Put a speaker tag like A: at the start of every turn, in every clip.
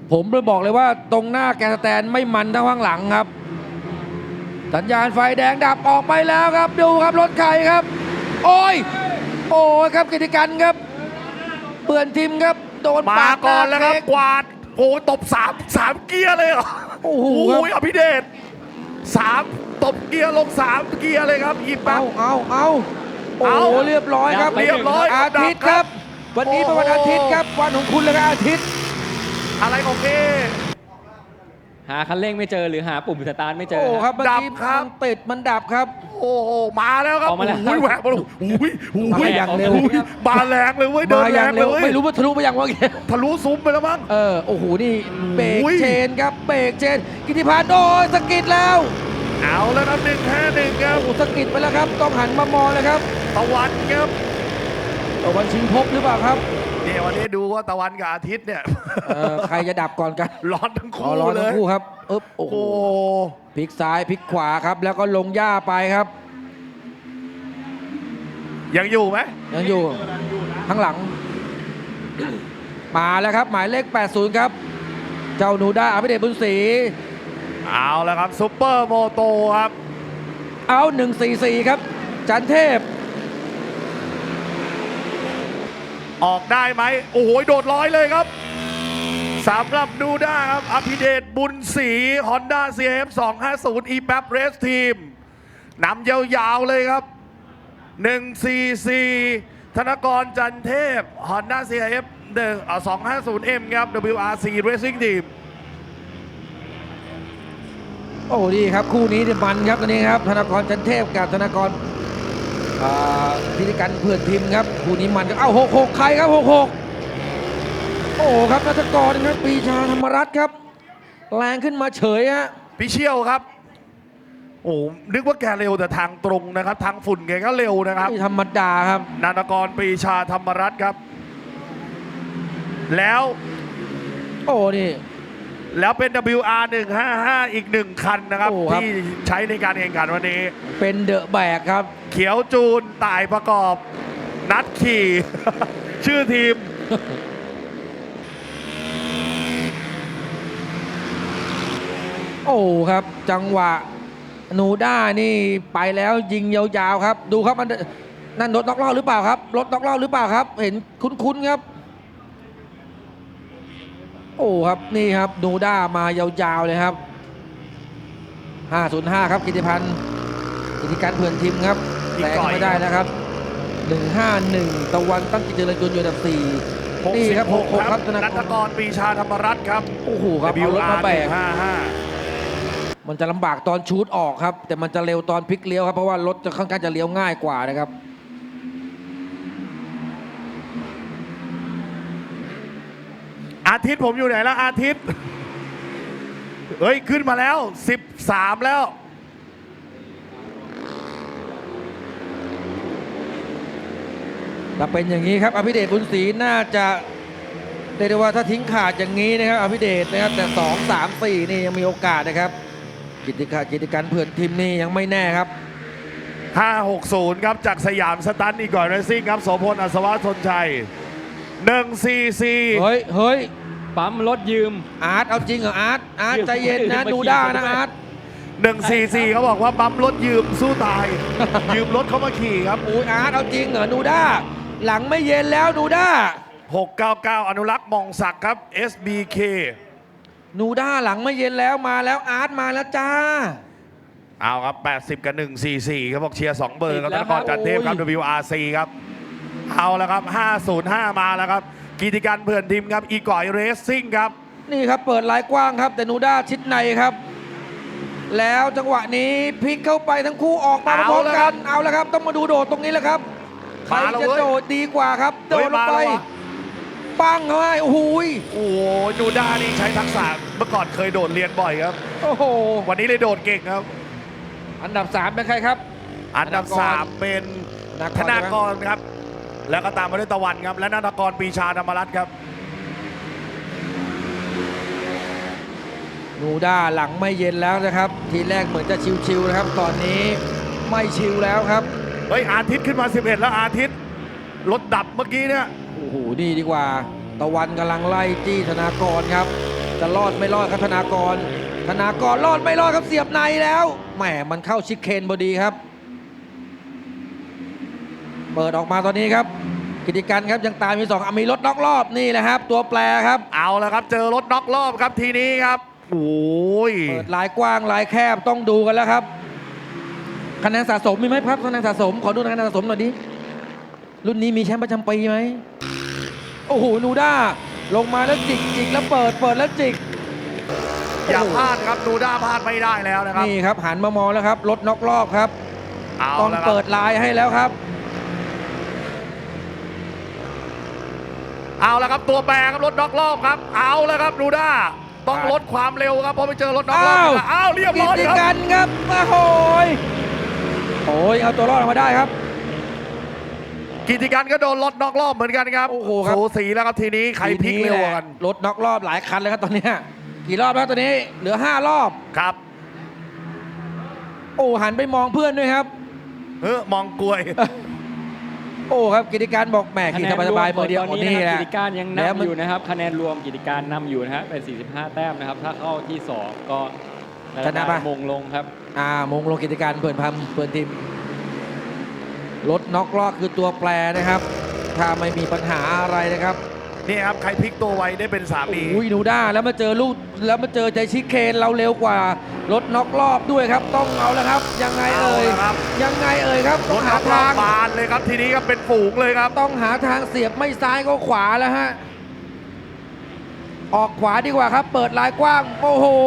A: ผมเลยบอกเลยว่าตรงหน้าแกนสแตนไม่มันเท่าข้างหลังครับสัญญาณไฟแดงดับออกไปแล้วครับดูครับรถใครครับโอ้ยครับกิติกันครับเปื่อนทิมครับโดน
B: มาก่อนแล้วครับกวาดโอ้ตบสามเกียร์เลยเหรอ
A: โอ้โห
B: อภิเดชตบเกียร์ลง3 เกียร์เลยครับอีแป๊บ
A: เอาโอ้โหเรียบร้อยครับ
B: เรียบร้อย
A: อาทิตย์ครับ วันนี้เป็นวันอาทิตย์ครับวันของคุณเลยครับอาทิตย์
B: อะไรของเอ
C: หาคันเร่งไม่เจอหรือหาปุ่มสตาร์ทไม่เจอ
A: โอ้ครับเมื่อ
B: ดับ
A: กี้
B: ครับ
A: มันติดมันดับครับ
B: โอ้โหมาแล้วครับ
C: ออกมาแล้ว
B: โอ้ยแหวกมาแล้วโอ้ย
A: มาอย่างเร็ว
B: มาแรงเลยเว้ยเดิน
A: มาอ
B: แร
A: ย่าง
B: งเล
A: เร็
B: ยว เว้ย
A: ไม่รู้ว่าทะลุไปยังวะเมื่อกี้
B: ทะลุซุ้มไปแล้วมั้ง
A: โอ้โหนี่เบรก
B: โอ้ย
A: เชนครับเบรกเชนกิติพันธ์โอ้ยสะกิดแล้ว
B: เอาแล้วครับ1-5-1ครับ
A: โอ้สะกิดไปแล้วครับต้องหันมามองเลยครับ
B: ตะวันครับ
A: ตะวันชิงภพหรือเปล่าครับ
B: เนี่ยวันนี้ดูว่าตะวันกับอาทิตย์เนี่ย
A: ใครจะดับก่อนกัน
B: ร้อนทั้ง
A: อ๋อ
B: คู่
A: ร้อน
B: เล
A: ทั้
B: ย
A: งคู่ครับอึ๊บโอ้โห
B: โอ้
A: พลิกซ้ายพลิกขวาครับ แล้วก็ลงหญ้าไปครับ
B: ยังอยู่ไหม
A: ยังอยู่ข้างหลัง มาแล้วครับ หมายเลข 80 ครับ เจ้าหนูด้าอภิเดชบุญศรี
B: เอาแล้วครับซุปเปอร์โมโตครับ
A: เอา 144 ครับ จันเทพ
B: ออกได้ไหมโอ้โหโดดร้อยเลยครับสำหรับดูด้าครับอภิเดชบุญศรี Honda CRF 250 e-PAP Race Team นำยาวๆเลยครับ 144 ธนกรจันเทพ Honda CRF 250M ครับ WRC Racing Team
A: โอ้ดีครับ คู่นี้เนี่ยมันครับตอนนี้ครับ ธนกรจันเทพกับธนกรพิธีการเพื่อนทีมครับคู่นี้มันครับเอ้า66 ใครครับ 66 โอ้ครับนัทกรครับปรีชาธรรมรัตน์ครับ แรงขึ้นมาเฉยฮะ
B: พี่เชี่ยวครับ โอ้นึกว่าแกเร็วแต่ทางตรงนะครับ ทางฝุ่นแกก็เร็วนะครับ
A: ไม่ธรรมดาครับ
B: นานกรปรีชาธรรมรัตน์ครับ แล้ว
A: โอ้นี่
B: เป็น WR 155อีก1คันนะครับ
A: โอ้ครับ
B: ที่ใช้ในการแข่งขันวันนี้
A: เป็นเดอะแบกครับ
B: เขียวจูนต่ายประกอบ นัดขี่ ชื่อทีม
A: โอ้ครับ จังหวะนูด้านี่ไปแล้วยิงยาวๆครับ ดูครับมันนั่นรถน็อกรอบหรือเปล่าครับรถน็อกรอบหรือเปล่าครับ เห็นคุ้นๆครับ โอ้ครับนี่ครับนูด้ามายาวๆเลยครับ 505 ครับกิติพันธ์กิติการเพื่อนทีมครับ
B: อีก
A: แซง
B: ก่อย
A: ไม่ได้นะครับ 151 ตะวันตั้งกิจเจริญยนต์อยู่อันดับ 4 นี่ครับ 66 ครับธน
B: นั
A: ก
B: ท
A: ร
B: กรปรีชาธรรมรัตน์ครับ
A: โอ้โหครับเอารถ
B: WR
A: มาแบก
B: 155
A: มันจะลำบากตอนชูดออกครับ แต่มันจะเร็วตอนพลิกเลี้ยวครับ เพราะว่ารถจะค่อนข้างจะเลี้ยวง่ายกว่านะครับ
B: อาทิตย์ผมอยู่ไหนแล้วอาทิตย์ เฮ้ย ขึ้นมาแล้ว 13 แล้ว
A: ถ้าเป็นอย่างนี้ครับอภิเดชบุญศรีน่าจะเรียกได้ว่าถ้าทิ้งขาดอย่างนี้นะครับอภิเดชนะครับแต่2 3 4นี่ยังมีโอกาสนะครับกิจการเพื่อนทีมนี่ยังไม่แน่ครับ
B: 560 ครับจากสยามสตันอีกก่อนเรซิ่งครับโสพลอัศวะทนชัย 144
A: เฮ้ย
C: ปั๊มรถยืม
A: อาร์ตเอาจริงเหรออาร์ตใจเย็นนะ
C: ยืม
A: ดูด้านะ
C: มาขี่
A: อาร์ต
B: 144เขาบอกว่าปั๊มรถยืมสู้ตาย ยืมรถเขามาขี่ครับ
A: อุ้ยอาร์ตเอาจริงเหรอดูด้าหลังไม่เย็นแล้วดูด้า
B: 699 อนุรักษ์มองศักดิ์ครับ SBK
A: นูด้าหลังไม่เย็นแล้วมาแล้วอาร์ตมาแล้วจ้า
B: เอาครับ 80 กับ 144ครับบอกเชียร์ 2 เบอร์ครับ
C: ติ
B: ธ
C: ด
B: น
C: แล้ว
B: กรจันเทพครับ
A: โอ้ย
B: WRC ครับ เอาแล้วครับ 505 มาแล้วครับ กิติการเพื่อนทีมครับ อีก่อยเรสซิ่งครับ
A: นี่ครับเปิดลายกว้างครับ แต่นูด้าชิดในครับ แล้วจังหวะนี้พลิกเข้าไปทั้งคู่ออกมาพร้อมๆกันเอาแล้วครับต้องมาดูโดดตรงนี้แหละครับใคร
B: มาแล้ว
A: จะ
B: เว้ย
A: โดดดีกว่าครับโด
B: เฮ้ย
A: ดลง
B: มา
A: ไป
B: แล้วว่ะ
A: ปังเข้าไปโอ้โหย
B: โอ้โหนูด้านี่ใช้ทักษะเมื่อก่อนเคยโดดเรียนบ่อยครับ
A: โอ้โห
B: วันนี้เลยโดดเก่งครับ
A: อันดับ 3 เป็นใครครับ
B: อันดับ 3 เป็นธนากรครับ แล้วก็ตามมาด้วยตะวันครับ และนานกรปรีชาธรรมรัตน์ครับ
A: นูด้าหลังไม่เย็นแล้วนะครับ ทีแรกเหมือนจะชิวๆนะครับ ตอนนี้ไม่ชิวแล้วครับ
B: เฮ้ยอาทิตย์ขึ้นมา 11 แล้วอาทิตย์รถดับเมื่อกี้เนี่ย
A: โอ้โหนี่ดีกว่า ตะวันกำลังไล่จี้ธนากรครับจะรอดไม่รอดครับธนากรรอดไม่รอดครับเสียบในแล้วแหมมันเข้าชิคเคนพอดีครับ เปิดออกมาตอนนี้ครับกิติกันครับยังตามมี2มีรถน็อกรอบนี่แหละครับ ตัวแปรครับ
B: เอาแล้วครับเจอรถน็อกรอบครับทีนี้ครับโอ้ย
A: เปิดลายกว้างลายแคบต้องดูกันแล้วครับคะแนนสะสมมีไหมครับคะแนนสะสมขอดูคะแนนสะสมหน่อยดิรุ่นนี้มีแชมป์ประจำปีไหมโอ้โหนูด้าลงมาแล้วจิกแล้วเปิดแล้วจิก
B: อย่าพลาดครับดูด้าพลาดไม่ได้แล้วนะครับ
A: นี่ครับหันมามองแล้วครับรถน็อกรอบครับ
B: เอา
A: ต้อง
B: แล้วครับ
A: เปิดลายให้แล้วครับ
B: เอาแล้วครับตัวแปรครับรถน็อกรอบครับเอาแล้วครับดูด้าต้องลดความเร็วครับเพราะไปเจอรถน็อกรอบอ้าวเรียบร้อย
A: กิติ
B: ค
A: กั
B: รับ
A: นครับโอ้ยเอาตัวรอดออกมาได้ครับ
B: กิติกันก็โดนรถน็อกรอบเหมือนกันครับ
A: โอ้โหครับ
B: สูสีแล้วครับทีนี้ใครพลิกเร็วกว่ากัน
A: รถน็อกรอบหลายคันเลยครับตอนเนี้ยกี่รอบแล้วตอนนี้เหลือ5รอบ
B: ครับ
A: โอ้หันไปมองเพื่อนด้วยครับ
B: มองกลวย
A: โอ้ครับกิติการบอกแหมขี่สบายๆมือเดียว
C: ตอน
A: นี่
C: นี้
A: แห
C: นะครับ
A: ละ
C: กิติการยัง
A: แล้วมัน
C: นำอยู่นะครับคะแนนรวมกิติการนำอยู่นะฮะเป็น 45 แต้มนะครับ ถ้าเข้าที่ 2 ก็ชนะมงลงครับ
A: มงลงกิจการเปิดทีมรถน็อกรอบคือตัวแปรนะครับ ถ้าไม่มีปัญหาอะไรนะครับ
B: นี่ครับใครพลิกตัวไวได้เป็นสามี
A: อุ้ยนูด้าแล้วมาเจอลูกแล้วมาเจอใจชิคเคนเราเร็วกว่ารถน็อกรอบด้วยครับ ต้องเอาแล้วครับ ยังไงเอ่ย
B: เอาละครับ
A: ยังไงเอ่ยครับ
B: ร
A: ต้อง
B: ถ
A: หา
B: น็อกรอ
A: ทา
B: บ
A: ง
B: บานเลยครับทีนี้ครับเป็นฝูงเลยครับ
A: ต้องหาทางเสียบไม่ซ้ายก็ขวาแล้วฮะออกขวาดีกว่าครับ เปิดลายกว้างโอ้โห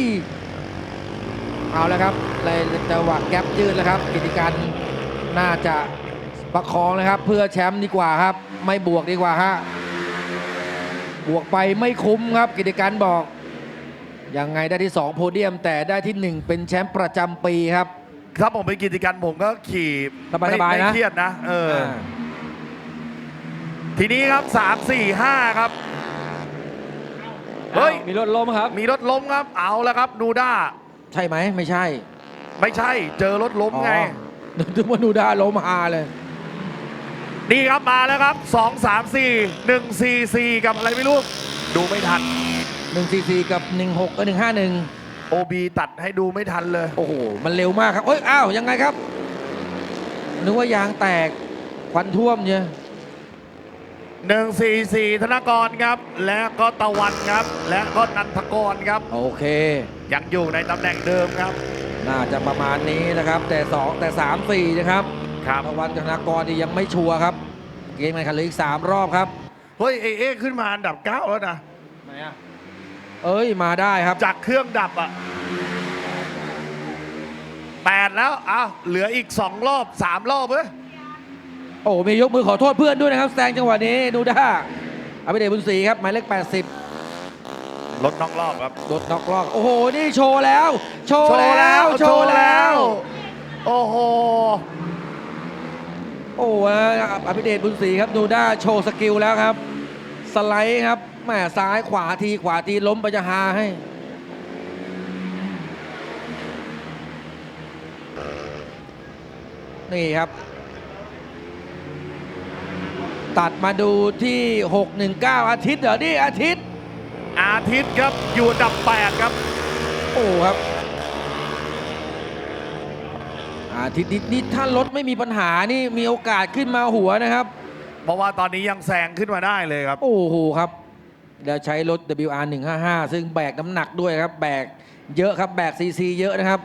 A: เอาแล้วครับเลยจังหวะแก๊ปยืดแล้วครับ กิติการน่าจะประคองนะครับ เพื่อแชมป์ดีกว่าครับ ไม่บวกดีกว่าฮะบวกไปไม่คุ้มครับ กิติการบอกยังไงได้ที่2โพเดียม แต่ได้ที่ 1 เป็นแชมป์ประจำปีครับ
B: ถ้าผมเป็นกิจการผมก็ขี่
A: สบายๆนะ
B: ไม่เครียดนะทีนี้ครับ3 4 5ครับเฮ้ย
C: มีรถล้มครับ
B: มีรถล้มครับเอาแล้วครับนูด้า
A: ใช่ไหมไม่ใช่
B: ไม่ใช่เจอรถล้มไง
A: นึกว่านูด้าล้มฮาเลย
B: นี่ครับมาแล้วครับ2 3 4 1 4 4กับอะไรไม่รู้ดูไม่ทัน
A: 144 กับ 16ก็151
B: OB ตัดให้ดูไม่ทันเลย
A: โอ้โห มันเร็วมากครับเอ้ย อ้าว ยังไงครับ นึกว่ายางแตก ควันท่วมเนี่ย
B: 144 ธนกรครับ และก็ตะวันครับ และก็นันทกรครับ
A: โอเค
B: ยังอยู่ในตำแหน่งเดิมครับ
A: น่าจะประมาณนี้นะครับ แต่2แต่3 4นะครับ
B: ครับ
A: ตะวันกับธนากรนี่ยังไม่ชัวร์ครับ เกมการแข่งขันเหลืออีก3รอบครับ
B: เฮ้ยเอขึ้นมาอันดับ 9 แล้วนะ
A: ไหนอ่ะ เอ้ย มาได้ครับ
B: จากเครื่องดับอ่ะ8แล้วอ้าวเหลืออีก2รอบ3รอบเว้ย
A: โอ้มียกมือขอโทษเพื่อนด้วยนะครับแซงจังหวะนี้ดูด้าอภิเดชบุญศรีครับหมายเลข80
B: รถน็อกรอบครับ
A: รถน็อกรอบโอ้โห นี่โชว์แล้ว โชว์แล้ว โชว์แล้ว
B: โอ้โห
A: โอ้อภิเดชบุญศรีครับดูด้าโชว์สกิลแล้วครับ สไลด์ครับแหมซ้ายขวาทีล้มไปจะหาให้ นี่ครับ ตัดมาดูที่ 619 อาทิตย์เหรอนี่อาทิตย์
B: อาทิตย์ครับอยู่อันดับ 8 ครับ
A: โอ้ครับ อาทิตย์นี่ถ้ารถไม่มีปัญหานี่มีโอกาสขึ้นมาหัวนะครับ
B: เพราะว่าตอนนี้ยังแซงขึ้นมาได้เลยครับ
A: โอ้โหครับแล้วใช้รถ WR 155 ซึ่งแบกน้ำหนักด้วยครับ แบกเยอะครับแบกซีซีเยอะนะครับ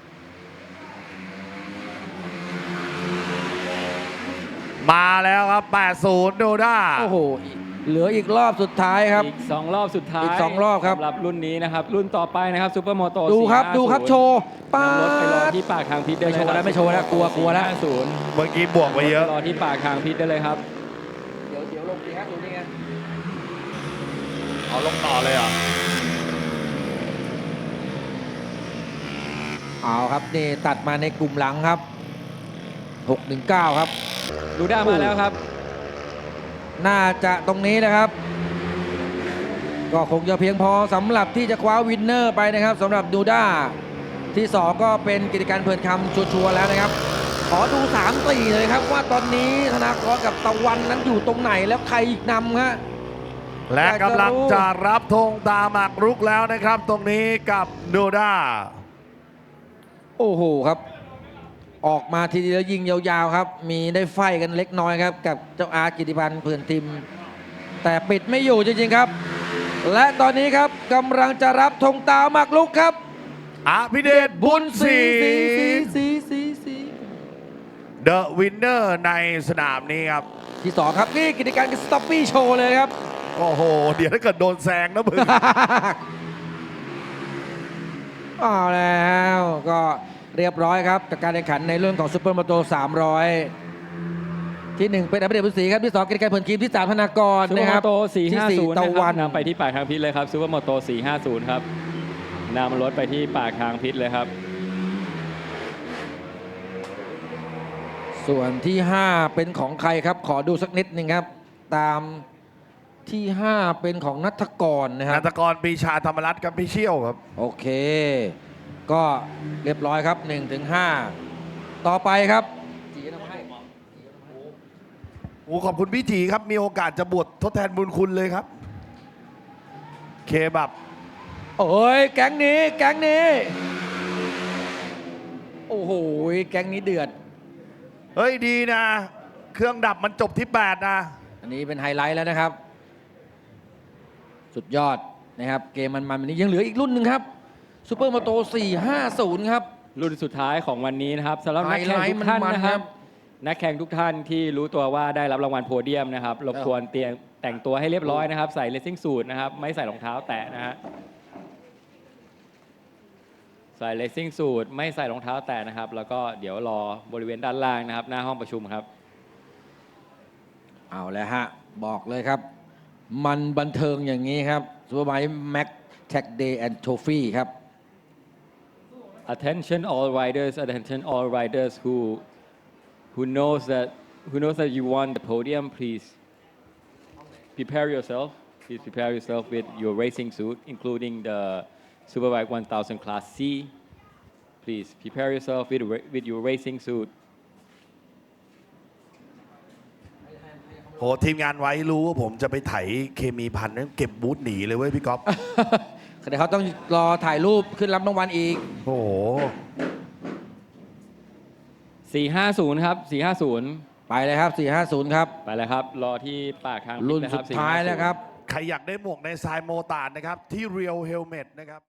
B: มาแล้วครับ 80 โดด้า
A: โอ้โห เหลืออีกรอบสุดท้ายครับ
C: อีก 2 รอบสุดท้าย
A: อีก2รอบครับ
C: สำหรับรุ่นนี้นะครับ รุ่นต่อไปนะครับซูเปอร์โมโต
A: ดูครับโชว์ป้าด
C: รถไปรอที่ปากทางพิษได้เลยครับ
A: ไม่โชว์แล้วกลัวแล้ว
C: 450
B: เมื่อกี้บวกไปเยอะ
C: รอที่ปากทางพิษได้เลยครับ
A: เดี๋ยวลงดีครับดูนี่ไง
B: เอาลงต่อเลยเหรอ
A: เอาครับนี่ตัดมาในกลุ่มหลังครับ 619 ครับ
C: ดูด้ามาแล้วครับ
A: น่าจะตรงนี้นะครับ ก็คงจะเพียงพอสำหรับที่จะคว้าวินเนอร์ไปนะครับสำหรับดูด้าที่ 2 ก็เป็นกิจการเพื่อนคำชัวร์ๆแล้วนะครับ ขอดู3-4เลยครับว่าตอนนี้ธนากรกับตะวันนั้นอยู่ตรงไหนแล้วใครอีกนำฮะ
B: และกำลังจะรับธงตามหมากรุกแล้วนะครับ ตรงนี้กับโดด้า
A: โอ้โหครับ ออกมาทีเดียวยิงยาวๆครับ มีได้ไฟกันเล็กน้อยครับ กับเจ้าอาร์ตกิติพันธ์เพื่อนทีม แต่ปิดไม่อยู่จริงๆครับ และตอนนี้ครับกำลังจะรับธงตามหมากรุกครับ
B: อภิเดชบุญศรี
A: สี
B: เดอะวินเนอร์ในสนามนี้ครับ
A: ที่สองครับนี่กิจการสต็อปปี้โชว์เลยครับ
B: โอ้โห เดี๋ยวถ้าเกิดโดนแซงนะมึง
A: เอาแล้วก็เรียบร้อยครับจากการแข่งขันในเรื่องของซูเปอร์มาโต300 ที่ 1 เป็นอภิเดชบุญศรีครับที่ 2กิจการเพื่อนทีมที่ 3 ธนากร
C: ซูเปอ
A: นะ
C: ร์
A: ค
C: ม
A: รั
C: อบ โต
A: ที่
C: 450
A: ตะ
C: นะค
A: วั
C: รับ
A: น
C: นำไปที่ปากทางพิษเลยครับซูเปอร์มอโต 450 ครับนำรถไปที่ปากทางพิษเลยครับ
A: ส่วนที่ 5 เป็นของใครครับ ขอดูสักนิดหนึ่งครับ ตามที่ 5 เป็นของนัทกรนะครั
B: นั
A: บ
B: นทกรปรีชาธรรมรัตน์กับพี่เชี่ยวครับ
A: โอเค ก็เรียบร้อยครับ 1-5 ต่อไปครับ
B: โอ้ขอบคุณพี่จีครับ มีโอกาสจะบวชทดแทนบุญคุณเลยครับ เคบับ
A: โอ้ยแก๊งนี้แก๊งนี้ โอ้โหแก๊งนี้เดือด
B: เฮ้ยดีนะ เครื่องดับมันจบที่ 8 นะ
A: อันนี้เป็นไฮไลท์แล้วนะครับ สุดยอดนะครับ เกมมันวันนี้ยังเหลืออีกรุ่นหนึ่งครับซูเปอร์มอโต450 ครับ
C: รุ่นสุดท้ายของวันนี้นะครับสำหรับนักแข่งทุกท่าน
A: ไฮไลท์มันๆ
C: นะค
A: ครั
C: รับ บนักแข่งทุกท่านที่รู้ตัวว่าได้รับรางวัลโพเดียมนะครับรบกวนแต่งตัวให้เรียบร้อยนะครับ ใส่เลสซิ่งสูทนะครับไม่ใส่รองเท้าแตะนะฮะใส่เลสซิ่งสูทไม่ใส่รองเท้าแตะนะครับ แล้วก็เดี๋ยวรอบริเวณด้านล่างนะครับ หน้าห้องประชุมครับ
A: เอาแล้วฮะ บอกเลยครับ มันบันเทิงอย่างนี้ครับซูเปอร์ไบค์แม็กแท็กเดย์แอนด์โทฟี่ครับ
C: Attention all riders who knows that you won the podium. Please prepare yourself. Please prepare yourself with your racing suit, including the Superbike 1000 Class C. Please prepare yourself with your racing suit.
B: โหทีมงานไว้รู้ว่าผมจะไปไถเคมีพันนั้นเก็บบูธหนีเลยเว้ยพี่ก๊อฟ
A: เดี๋ยวเขาต้องรอถ่ายรูปขึ้นรับรางวัลอีก
B: โอ้โห
C: 450 ครับ 450
A: ไปเลยครับ 450 ครับ
C: ไปเลยครับ รอที่ปากทางพิษ
A: รุ่น
C: นะค
A: สุ
C: รับ
A: ดท้าย
C: 450
A: แล้วครับ
B: ใครอยากได้หมวกในทรายโมตานนะครับ ที่ Real Helmet นะครับ